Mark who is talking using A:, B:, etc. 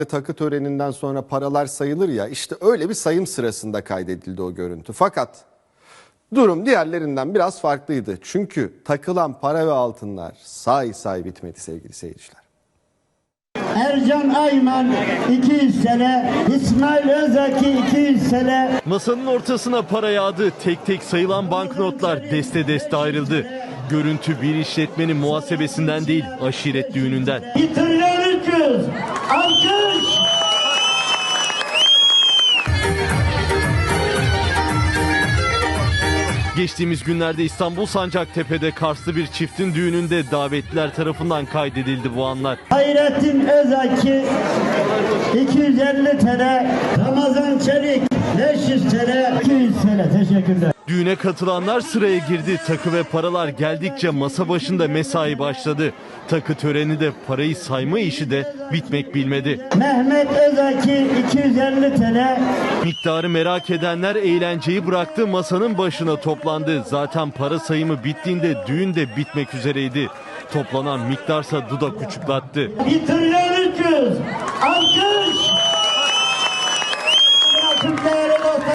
A: Takı töreninden sonra paralar sayılır ya, işte öyle bir sayım sırasında kaydedildi o görüntü. Fakat durum diğerlerinden biraz farklıydı. Çünkü takılan para ve altınlar say bitmedi sevgili seyirciler.
B: Ercan Ayman 200 sene, İsmail Özaki 200 sene.
C: Masanın ortasına para yağdı. Tek tek sayılan banknotlar deste deste ayrıldı. Görüntü bir işletmenin muhasebesinden değil, aşiret düğününden.
B: 1 trilyon 300. Alkış.
C: Geçtiğimiz günlerde İstanbul Sancaktepe'de Karslı bir çiftin düğününde davetliler tarafından kaydedildi bu anlar.
B: Hayrettin Özaki 250 TL, Ramazan Çelik 500 TL, 200 TL. Teşekkürler.
C: Düğüne katılanlar sıraya girdi. Takı ve paralar geldikçe masa başında mesai başladı. Takı töreni de parayı sayma işi de bitmek bilmedi.
B: Mehmet Özaki 250 TL.
C: Miktarı merak edenler eğlenceyi bıraktı, masanın başına toplandı. Zaten para sayımı bittiğinde düğün de bitmek üzereydi. Toplanan miktarsa dudak uçuklattı.
B: 1 trilyon